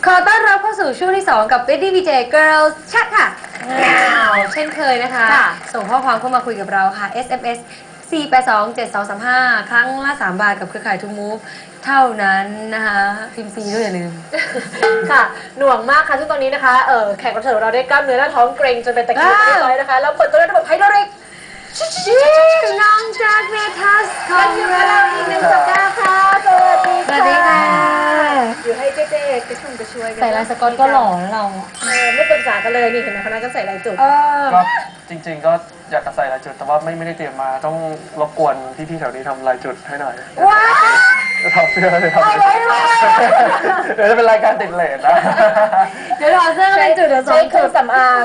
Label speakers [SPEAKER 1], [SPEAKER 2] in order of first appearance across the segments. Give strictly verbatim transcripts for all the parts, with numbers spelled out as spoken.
[SPEAKER 1] ขอต้อนรับเข้าสู่ช่วงที่สองกับ Betty วี เจ Girls Chat ค่ะเช่นเคยนะคะส่งข้อความเข้ามาคุยกับเราค่ะ เอส เอ็ม เอส สี่ แปด สอง เจ็ด สอง สาม ห้า ครั้งละสามบาทกับเครือข่ายทูมูฟเท่านั้นนะคะพิมพ์ฟรีด้วยอย่าลืม
[SPEAKER 2] ค่ะหน่วงมากค่ะซึ่งตอนนี้นะคะเออแขกรับเชิญของเราได้กล้ามเนื้อหน้าท้องเกร็งจนเป็นตะคริวเรียบร้อยนะคะแล้วเปิดตัวด้วยระบบไฮโดรลิก
[SPEAKER 1] น้องแจ็คเมทัสของเรา
[SPEAKER 2] อีกหนึ่งสัปดาห์ค่ะสวัสดีค่ะอยู่ให้เจ๊ๆกระชุ่มกระชวยกัน
[SPEAKER 1] ใส่ลายสก๊อตก็หล่อแล้วเรา
[SPEAKER 2] เออไม่ปรึกษากันเลยนี่เห็นไหมคณะก็ใส่ลายจุด
[SPEAKER 3] ก็จริงๆก็อยากจะใส่ลายจุดแต่ว่าไม่ไม่ได้เตรียมมาต้องรบกวนพี่ๆแถวนี้ทำลายจุดให้หน่อย
[SPEAKER 2] ว้า
[SPEAKER 3] จะทำเสื้อเลยทำเดี๋ยวจะเป็นรายการติดเลทนะ
[SPEAKER 1] เดี๋ยวถอดเสื้อเป็นจุดเดี๋ยวสอง
[SPEAKER 2] เครื่องสำอาง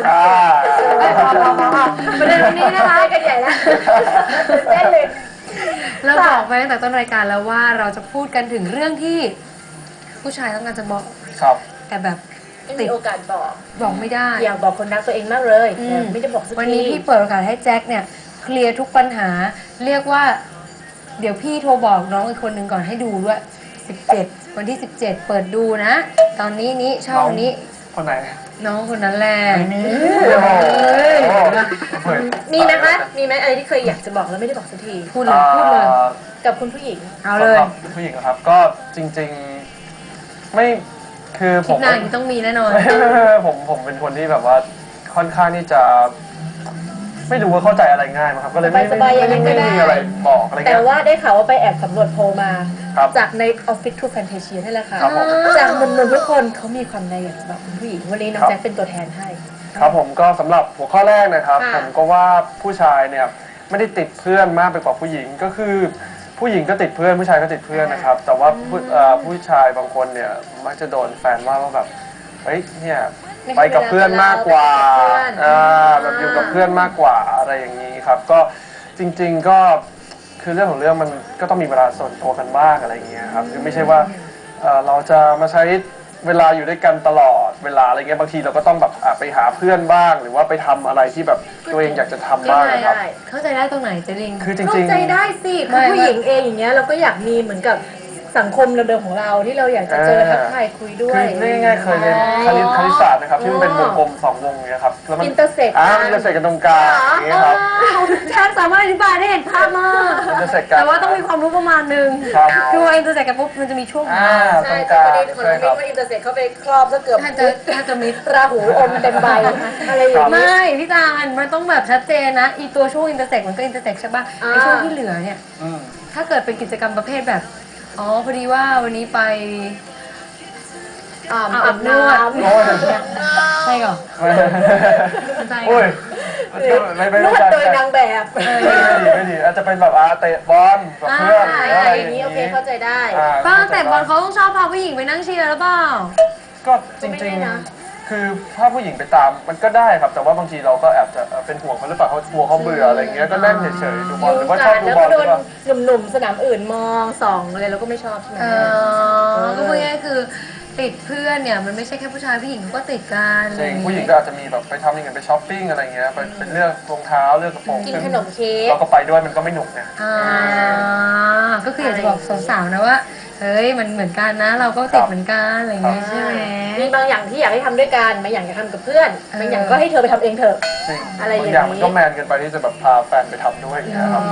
[SPEAKER 1] ประเด็นวันนี้นะคะ
[SPEAKER 2] กันใหญ่แล้วเต้นเลย
[SPEAKER 1] เราบอกไปตั้งแต่ต้นรายการแล้วว่าเราจะพูดกันถึงเรื่องที่ผู้ชายต้องการจะบอก
[SPEAKER 3] ครับ
[SPEAKER 1] แต่แบบ
[SPEAKER 2] ไม่มีโอกาสบอก
[SPEAKER 1] บอกไม่ได้
[SPEAKER 2] อยากบอกคนรักตัวเองมากเลยไม่ได้บอกสักที
[SPEAKER 1] วันนี้พี่เปิดโอกาสให้แจ็คเนี่ยเคลียร์ทุกปัญหาเรียกว่าเดี๋ยวพี่โทรบอกน้องอีกคนหนึ่งก่อนให้ดูด้วยสิบเจ็ดวันที่สิบเจ็ดเปิดดูนะตอนนี้นี้ช่องนี้
[SPEAKER 3] คนไหน
[SPEAKER 1] น้องคนนั้นแหละ
[SPEAKER 3] ไม่มี
[SPEAKER 2] มีไหมคะมีไหมอะไรที่เคยอยากจะบอกแล้วไม่ได้บอกสักที
[SPEAKER 1] พูดเลยพูดเลย
[SPEAKER 2] กับคุณผู้หญิง
[SPEAKER 1] เอาเลย
[SPEAKER 3] ผู้หญิงครับก็จริงๆไม่คือผม
[SPEAKER 1] คิดนานต้องมีแน่นอน
[SPEAKER 3] ผมผมเป็นคนที่แบบว่าค่อนข้างที่จะไม่รู้ว่าเข้าใจอะไรง่ายมั้งครับก็เลยไม่ไม่ไม่มีอะไรบอกอะไร
[SPEAKER 2] แต่ว่าได้ข่าวว่าไปแอบสำรวจโพลมาจากใน Office to Fantasia นี่แหละค่ะจากหนุ่มๆทุกคนเขามีความในอยากจะบอกผู้หญิงวันนี้น้องแจ็คเป็นตัวแทนให้
[SPEAKER 3] ครับผมก็สำหรับหัวข้อแรกนะครับผมก็ว่าผู้ชายเนี่ยไม่ได้ติดเพื่อนมากไปกว่าผู้หญิงก็คือผู้หญิงก็ติดเพื่อนผู้ชายก็ติดเพื่อนนะครับแต่ว่าผู้ชายบางคนเนี่ยมักจะโดนแฟนว่าว่าแบบเฮ้ยเนี่ยไปกับเพื่อนมากกว่าแบบอยู่กับเพื่อนมากกว่าอะไรอย่างนี้ครับก็จริงๆก็คือเรื่องของเรื่องมันก็ต้องมีเวลาส่วนตัวกันบ้างอะไรอย่างเงี้ยครับคือไม่ใช่ว่าเราจะมาใช้เวลาอยู่ด้วยกันตลอดเวลาอะไรเงี้ยบางทีเราก็ต้องแบบไปหาเพื่อนบ้างหรือว่าไปทำอะไรที่แบบตัวเองอยากจะทำบ้างนะครับ
[SPEAKER 1] เข้าใจได้ตรงไหนเจริง
[SPEAKER 3] คือจริงๆ
[SPEAKER 2] เข้าใจได้สิคือผู้หญิงเองอย่างเงี้ยเราก็อยากมีเหมือนกับสังคมเดิมของเราที่เราอยากจะเจอทักทายคุยด้วย
[SPEAKER 3] คือง่ายๆเคยเรียนคณิตคณิตศาสตร์นะครับที่มันเป็นวงกลมสองวงเงี้ยครับแล้วมัน
[SPEAKER 2] อินเตอร์เซ็ก
[SPEAKER 3] อ่าอินเตอร์เซ็กกันตรงกลางอย่างเงี้ยครับ
[SPEAKER 1] แจ็คสามารถอธิบายได้เห็นภาพมาก
[SPEAKER 3] อินเตอร์เซ็กกัน
[SPEAKER 1] แต่ว่าต้องมีความรู้ประมาณนึงคือว่าอินเตอร์เซ็กกันปุ๊บมันจะมีช่วง
[SPEAKER 3] อ่า
[SPEAKER 2] ใช่แต่ประเด็นคนนี้ว่าอินเตอร์เซ็กเขาไปครอบซะเกือบ
[SPEAKER 1] ถ้าจะถ้าจะมิด
[SPEAKER 2] ราหูอมเต็มใบอะไรอย่าง
[SPEAKER 1] นี้ไม่พี่ตาลมันต้องแบบชัดเจนนะอีตัวช่วงอินเตอร์เซ็กมันก็อินเตอร์เซ็กใช่ป่ะไอช่วงที่เหลือเนี่ยถ้าเกิดเป็นกิจกรรมประเภทแบบอ๋อพอดีว่าวันนี้ไป
[SPEAKER 2] อาบน้
[SPEAKER 1] ำใช่ก่อน
[SPEAKER 3] ใช่โอ้ยไม่ไม่
[SPEAKER 2] นวดโดยนางแบบ
[SPEAKER 3] ไม่ดีไม่ดีอาจจะเป็นแบบอาเตะบอลกับเพื่อน
[SPEAKER 2] อะไรอย่างนี้โอเคเข้าใจได้
[SPEAKER 1] บ้างแต่บอลเขาต้องชอบพาผู้หญิงไปนั่งเชียร์หรือเปล่า
[SPEAKER 3] ก็จริงๆคือถ้าผู้หญิงไปตามมันก็ได้ครับแต่ว่าบางทีเราก็แอบจะเป็นห่วงเขาหรือเปล่าเขากลัวเขาเบื่ออะไรเงี้ยก็นั่งเฉยๆดูบอลหรือว่าชอบดูบอล
[SPEAKER 2] แล้วก็โดนหนุ่มๆสนามอื่นมองส่องอะไรเราก็ไม่ชอบใช่ไหม
[SPEAKER 1] ก็พูดง่ายๆคือติดเพื่อนเนี่ยมันไม่ใช่แค่ผู้ชายผู้หญิงเขาก็ติดกัน
[SPEAKER 3] จริงผู้หญิงก็อาจจะมีแบบไปทำอย่างเงี้ยไปช้อปปิ้งอะไรเงี้ยไปเป็นเลือกรองเท้าเลือกกระโปรง
[SPEAKER 2] กินขนมเค้ก
[SPEAKER 3] เราก็ไปด้วยมันก็ไม่หนุกไง
[SPEAKER 1] ก็คืออยากจะบอกสาวๆนะว่าเฮ้ยมันเหมือนกันนะเราก็ติดเหมือนกันอะไรเงี้ยใช่ไหม
[SPEAKER 2] มีบางอย่างที่อยากให้ทำด้วยกันบางอย่างอยากทำกับเพื่อนบางอย่างก็ให้เธอไปทำเองเถอะ
[SPEAKER 3] อะไรอย่างนี้บางอย่างมันก็แมนเกินไปที่จะแบบพาแฟนไปทำด้วยอย่างเงี้ยครับ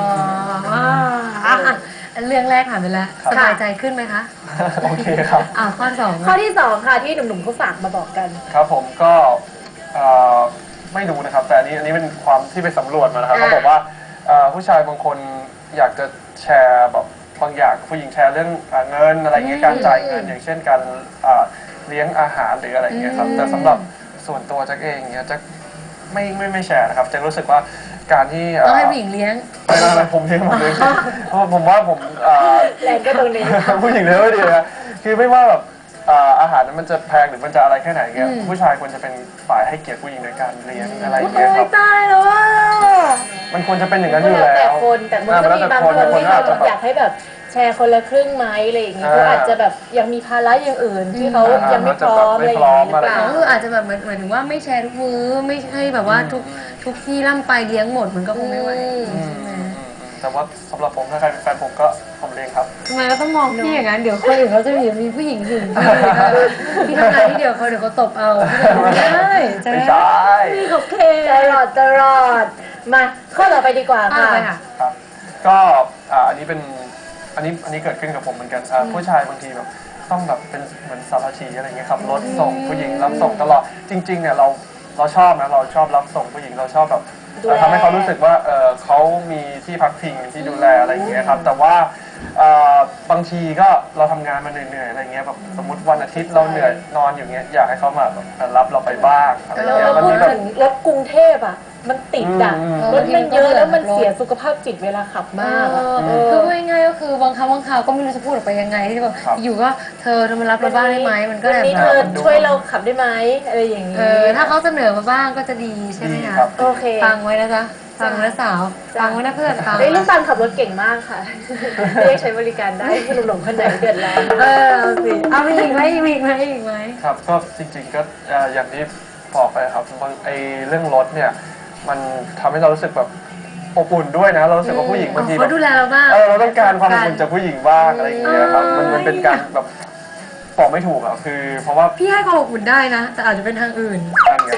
[SPEAKER 1] เรื่องแรกผ่านไปแล้วสบายใจขึ้นไหมคะ
[SPEAKER 3] โอเคครับ
[SPEAKER 1] อ่าข้อสอง
[SPEAKER 2] ข้อที่สองค่ะที่หนุ่มๆเขาฝากมาบอกกัน
[SPEAKER 3] ครับผมก็ไม่รู้นะครับแต่อันนี้อันนี้เป็นความที่ไปสำรวจมานะครับเขาบอกว่าผู้ชายบางคนอยากจะแชร์แบบบางอย่างผู้หญิงแชร์เรื่องเงินอะไรเงี้ยการจ่ายเงินอย่างเช่นการเลี้ยงอาหารหรืออะไรเงี้ยครับแต่สำหรับส่วนตัวแจ็คเองเนี้ยแจ็คไม่ไม่ไม่แชร์นะครับแจ็ครู้สึกว่าการที่
[SPEAKER 1] ต้องให้ผู้หญิงเลี้ยง
[SPEAKER 3] ไม่ไม่ผมเลี้ยงหมดเลยเพราะผมว่าผม
[SPEAKER 2] แรงก็ตรงนี้
[SPEAKER 3] ผู้หญิงเลี้ยงไม่ดีนะคือไม่ว่าแบบอาหารนั้นมันจะแพงหรือมันจะอะไรแค่ไหนเงี้ยผู้ชายควรจะเป็นฝ่ายให้เกียรติผู้หญิงในการเลี้ยงอะไรเงี้ยครับ
[SPEAKER 1] ตายแล้วว่า
[SPEAKER 3] มันควรจะเป็นอย่างนั้นอยู่แล้ว
[SPEAKER 2] แต่คนแต่มันก็มีบางคนที่เราอยากให้แบบแชร์คนละครึ่งไหมอะไรอย่างเงี้ยเขาอาจจะแบบยังมีภาระอย่างอื่นที่เขายังไม่พร้อมอะไรอย่างเงี้ยหรือเปล่า
[SPEAKER 1] คืออาจจะแบบเหมือนเหมือนถึงว่าไม่แชร์ทุกมื้อไม่ใช่แบบว่าทุกทุกที่ล่ำไปเลี้ยงหมดมันก็คงไม่ไหว
[SPEAKER 3] แต่ว่าสำหรับผมถ้าใครเป็นแฟนผมก็ผมเองครับ
[SPEAKER 1] ทำไมเราต้องมองพี่อย่างนั้นเดี๋ยวคนอื่นเขาจะมีมีผู้หญิงหึงพี่พี่ทำงานที่เดียวเขาเดี๋ยวเขาตบเอาไม่ได้ใช่ไหม
[SPEAKER 3] ไม่ใช่
[SPEAKER 1] พี่เขาเค
[SPEAKER 2] ตลอดตลอดมาข้อต่อไปดีกว่า
[SPEAKER 1] อ่ะ
[SPEAKER 2] ค่ะ
[SPEAKER 1] ไปค่ะ
[SPEAKER 3] ครับก็อ่าอันนี้เป็นอันนี้อันนี้เกิดขึ้นกับผมเหมือนกันอ่าผู้ชายบางทีแบบต้องแบบเป็นเหมือนสารชีอะไรเงี้ยขับรถส่งผู้หญิงรับส่งตลอดจริงๆเนี่ยเราเราชอบนะเราชอบรับส่งผู้หญิงเราชอบแบบ
[SPEAKER 2] ดูแล
[SPEAKER 3] ทำให้เขารู้สึกว่าเออเขามีที่พักพิงที่ดูแลอะไรอย่างเงี้ยครับแต่ว่าเอ่อบางทีก็เราทำงานมาเหนื่อยๆอะไรเงี้ยแบบสมมติวันอาทิตย์เราเหนื่อยนอนอยู่เงี้ยอยากให้เขามาแบบรับเราไปบ้างอะไร
[SPEAKER 2] เรา
[SPEAKER 3] เงี้ย
[SPEAKER 2] เรา
[SPEAKER 3] วัน
[SPEAKER 2] พูด
[SPEAKER 3] นี้แบบ
[SPEAKER 2] ถึงรถกรุงเทพอ่ะ มันติดอ่ะ
[SPEAKER 3] อืม
[SPEAKER 2] รถมันเยอะแล้วมันเสียสุขภาพจิตเวลาขับมากอะ
[SPEAKER 1] เออคือพูดง่ายๆก็คือบางครั้งบางคราวก็ไม่รู้จะพูดออกไปยังไงที่แบบ
[SPEAKER 3] ครับ
[SPEAKER 1] อยู่ก็เธอเธอมารับเราบ้างได้ไหมมันก็
[SPEAKER 2] วัน
[SPEAKER 1] แบบ
[SPEAKER 2] นี้เธอช่วยเราขับได้ไหมอะไรอย่างนี้
[SPEAKER 1] เออถ้าเขาเสนอมาบ้างก็จะดีใช่ไหม
[SPEAKER 3] ดี
[SPEAKER 1] คะ
[SPEAKER 3] ครับ
[SPEAKER 2] โอเค
[SPEAKER 1] ฟังไว้นะจ๊ะฟังไว้นะสาวฟังไว้นะเพื่อนฟัง
[SPEAKER 2] เฮ้ยลูกตาลขับรถเก่งมากค่ะ เรียกใช้บริการได้หนุ่มๆคนไหนเดือดร้อน
[SPEAKER 1] เออเอาสิเอามีอีกไหมมีอีกไหมอีกไหม
[SPEAKER 3] ครับก็จริงๆก็เอ่ออย่างที่บอกไปครับบางไอเรื่องรถเนี่ยมันทำให้เรารู้สึกแบบอบอุ่นด้วยนะเรารู้สึกว่าผู้หญิงบางที
[SPEAKER 1] อ๋อ
[SPEAKER 3] แบ
[SPEAKER 1] เขา
[SPEAKER 3] บ
[SPEAKER 1] ดูแลเราบ้าง
[SPEAKER 3] เออเราต้องการความอบอุ่นจากผู้หญิงบ้างอะไรอย่างเงี้ยครับมันมันเป็นการแบบบอกไม่ถูกอ่ะคือเพราะว่า
[SPEAKER 1] พี่ให้ความอบอุ่นได้นะ แต่อาจจะเป็นทางอื่น
[SPEAKER 3] นั่นไง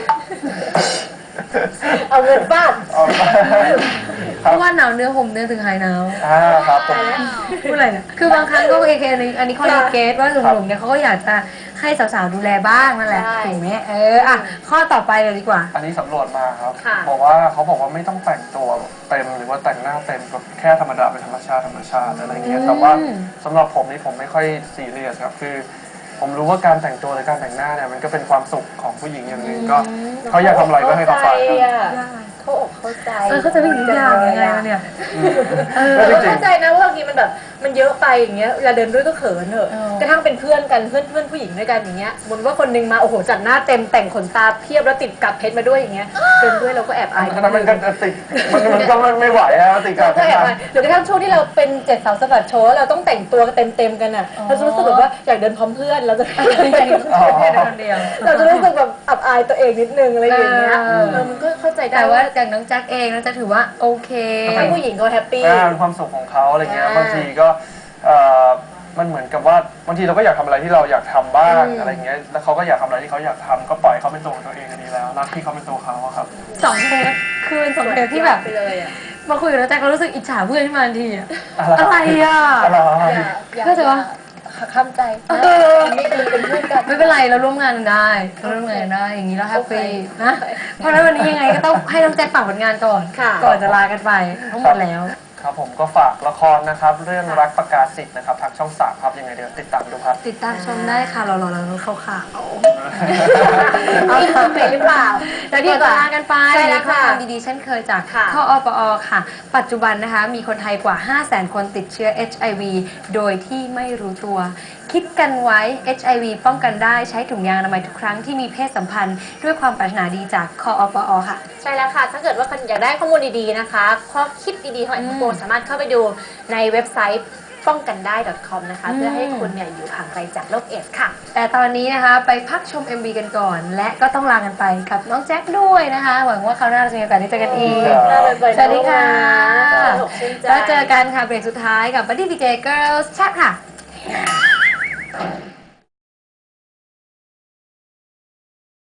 [SPEAKER 2] เอาเงินฟาด
[SPEAKER 3] เอาไป
[SPEAKER 1] เพ
[SPEAKER 3] ครับ
[SPEAKER 1] ราะว่าหนาวเนื้อห่มเนื้อถึงหายหนาว
[SPEAKER 3] อ่าครับผม
[SPEAKER 1] พูดอะไรเนี่ยคือบางครั้งก็เอเคอันนี้อันนี้ข้อดีเกตว่าหนุ่มๆเนี่ยเขาก็อยากจะให้สาวๆดูแลบ้างนั่นแหละ
[SPEAKER 2] ใช่
[SPEAKER 1] ถูกไหมเอออ่ะข้อต่อไปเลยดีกว่า
[SPEAKER 3] อันนี้สำรวจมาครับ
[SPEAKER 2] ค่ะ
[SPEAKER 3] บอกว่าเขาบอกว่าไม่ต้องแต่งตัวเต็มหรือว่าแต่งหน้าเต็มแบบแค่ธรรมดาเป็นธรรมชาติธรรมชาติอะไรเงี้ยแต่ว่าสำหรับผมนี่ผมไม่ค่อยซีเรียสครับคือ ผมรู้ว่าการแต่งตัวหรือการแต่งหน้าเนี่ยมันก็เป็นความสุขของผู้หญิงอย่างหนึ่งก็เขาอยากทำอะไรก็ให้เขาไปครับ
[SPEAKER 2] เขาอกเข้าใจ
[SPEAKER 1] เออเขาจะไม่ถึงอย่างยังไงวะเนี่ย เออ
[SPEAKER 3] แล้วจริง
[SPEAKER 2] เข้าใจนะว่าบางทีมันแบบมันเยอะไปอย่างเงี้ยเวลาเดินด้วยก็เขินเถอะ
[SPEAKER 1] เออ
[SPEAKER 2] กระทั่งเป็นเพื่อนกันเพื่อนเพื่อนผู้หญิงด้วยกันอย่างเงี้ยสมมติว่าคนนึงมาโอ้โหจัดหน้าเต็มแต่งขนตาเพียบแล้วติดกับเพชรมาด้วยอย่างเงี้ยเดินด้วยเราก็แอบอาย
[SPEAKER 3] ๆอันนั้นมันก็จะติดมันมันก็ไม่ไหวอะติดกั
[SPEAKER 2] เรา
[SPEAKER 3] บ
[SPEAKER 2] ก็แอบอายหรือกระทั่งช่วงที่เราเป็นเจ็ดสาวสะบัดโชว์แล้วเราต้องแต่งตัวเต็มเต็มๆกันอ่ะเราจะรู้สึกแบบว่าอยากเดินพร้อมเพื่อนเราจะ
[SPEAKER 3] อ๋อ
[SPEAKER 1] คนเดียว
[SPEAKER 2] เราจะรู้สึกแบบอับอายตัวเองนิดนึงอะไรอย่างเงี้ย
[SPEAKER 1] เออ
[SPEAKER 2] เออมันก็เข้าใจได้
[SPEAKER 1] แต่ว่า
[SPEAKER 2] ว่า
[SPEAKER 1] จากน้องแจ็คเองน้องแจ็คถือว่าโอเค
[SPEAKER 2] ให้ผู้หญิงเขาแฮปปี้
[SPEAKER 3] อ่าเป็นความสุขของเขาอะไรเงี้ย
[SPEAKER 2] อ่า
[SPEAKER 3] บางทีก็เอ่อมันเหมือนกับว่าบางทีเราก็อยากทำอะไรที่เราอยากทำบ้าง
[SPEAKER 2] อืม
[SPEAKER 3] อะไรเงี้ยแล้วเขาก็อยากทำอะไรที่เขาอยากทำก็ปล่อยเขาเป็นตัวของตัวเองก็ดีแล้วรักที่เขาเป็นตัวเขาอะครับ
[SPEAKER 1] สองเทปคือเป็นสองเทปที่แบบ
[SPEAKER 2] ไปเลยอ่ะ
[SPEAKER 1] มาคุยกับน้องแจ็คเรารู้สึกอิจฉาเพื่อนขึ้นมาทันทีอะ
[SPEAKER 3] อะไร
[SPEAKER 1] อะไรอ่ะ
[SPEAKER 3] อะไร
[SPEAKER 1] เข้าใจปะ
[SPEAKER 2] ข้ามใจไม่ดีเป็นเพื่อนกัน
[SPEAKER 1] ไม่เป็นไรเราร่วมงานกันได้เราร่วมงานกันได้อย่างนี้เราแฮปปี้นะเพราะฉะนั้นวันนี้ยังไงก็ต้องให้น้องแจ็คฝากผลงานก่อน
[SPEAKER 2] ค่ะ
[SPEAKER 1] ก่อนจะลากันไปทั้งหมดแล้ว
[SPEAKER 3] ครับผมก็ฝากละครนะครับ เรื่องรักประกาศสิทธิ์นะครับทางช่องสามครับยังไงเดี๋ยวติดตามดูครับ
[SPEAKER 1] ติดตามชมได้ค่ะรอๆแล้วเขาข่าว
[SPEAKER 2] เอาคอมเมนต์หรือเปล่า
[SPEAKER 1] แล้วเดี๋ยวจะลากันไป
[SPEAKER 2] ใช่แล้ว
[SPEAKER 1] ข้อ
[SPEAKER 2] ค่ะ
[SPEAKER 1] ความดีๆเช่นเคยจาก
[SPEAKER 2] ค่ะ
[SPEAKER 1] ข้ออปอค่ะ ปัจจุบันนะคะมีคนไทยกว่า ห้าแสน คนติดเชื้อ เอช ไอ วี โดยที่ไม่รู้ตัว คิดกันไว้ เอช ไอ วี ป้องกันได้ใช้ถุงยางอนามัยทุกครั้งที่มีเพศสัมพันธ์ด้วยความปรารถนาดีจากข้ออปอค่ะ
[SPEAKER 2] ใช่แล้วค่ะ ถ้าเกิดว่าคุณอยากได้ข้อมูลดีๆนะคะข้อคิดดีๆของ
[SPEAKER 1] อืม
[SPEAKER 2] แอนโฟสามารถเข้าไปดูในเว็บไซต์ป้องกันได้ .com นะคะ
[SPEAKER 1] อืม
[SPEAKER 2] เพื่อให้คุณเนี่ยอยู่ห่างไกลจากโรคเอดส์ค่ะ
[SPEAKER 1] แต่ตอนนี้นะคะไปพักชม เอ็ม วี กันก่อน และก็ต้องลากันไปกับน้องแจ็คด้วยนะคะ หวังว่าคราวหน้าเราจะมีโอกาสได้เจอกันอีก
[SPEAKER 3] ครับ
[SPEAKER 1] สวัสดีค่ะ
[SPEAKER 2] สนุกชื่นใจ
[SPEAKER 1] แล้วเจอกันค่ะเบรกสุดท้ายกับ Buddy พี เจ Girls Chat ค่ะ